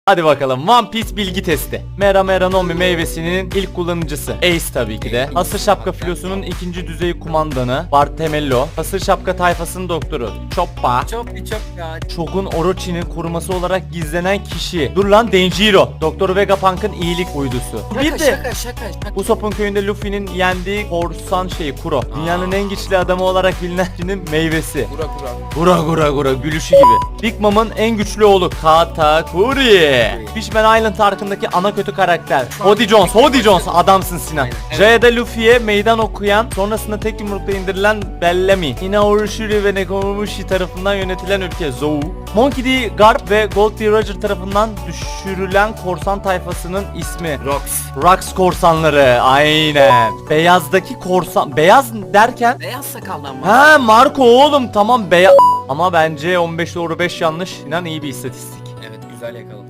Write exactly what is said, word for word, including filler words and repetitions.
Hadi bakalım, One Piece bilgi testi. Mera Mera Nomi meyvesinin ilk kullanıcısı Ace tabii ki de. Hasır Şapka filosunun ikinci düzey kumandanı Bartemello. Hasır Şapka tayfasının doktoru Choppa. Çok bir çok ya. Shogun Orochi'nin koruması olarak gizlenen kişi. Dur lan, Denjiro. Doktor Vegapunk'ın iyilik uydusu. Şaka Bir de şaka şaka şaka. Usopp'un köyünde Luffy'nin yendiği korsan şeyi Kuro. Dünyanın en güçlü adamı olarak bilinen kişinin meyvesi. Kura kura. Gura gura gura gülüşü gibi. Big Mom'un en güçlü oğlu Katakuri. Fishman Island arkındaki ana kötü karakter Hody Jones. Hody Jones adamsın Sinan. Jaya'da Luffy'ye meydan okuyan, sonrasında tek yumrukla indirilen Bellamy. Inaorushiri ve Nekomamushi tarafından yönetilen ülke Zou. Monkey D. Garp ve Gold D. Roger tarafından düşürülen korsan tayfasının ismi Rox. Rox korsanları. Aynen. Beyazdaki korsan. Beyaz derken Beyaz sakallı mı? ha, Marco oğlum, tamam beyaz. Ama bence on beş doğru beş yanlış. İnan iyi bir istatistik. Evet, güzel yakaladı.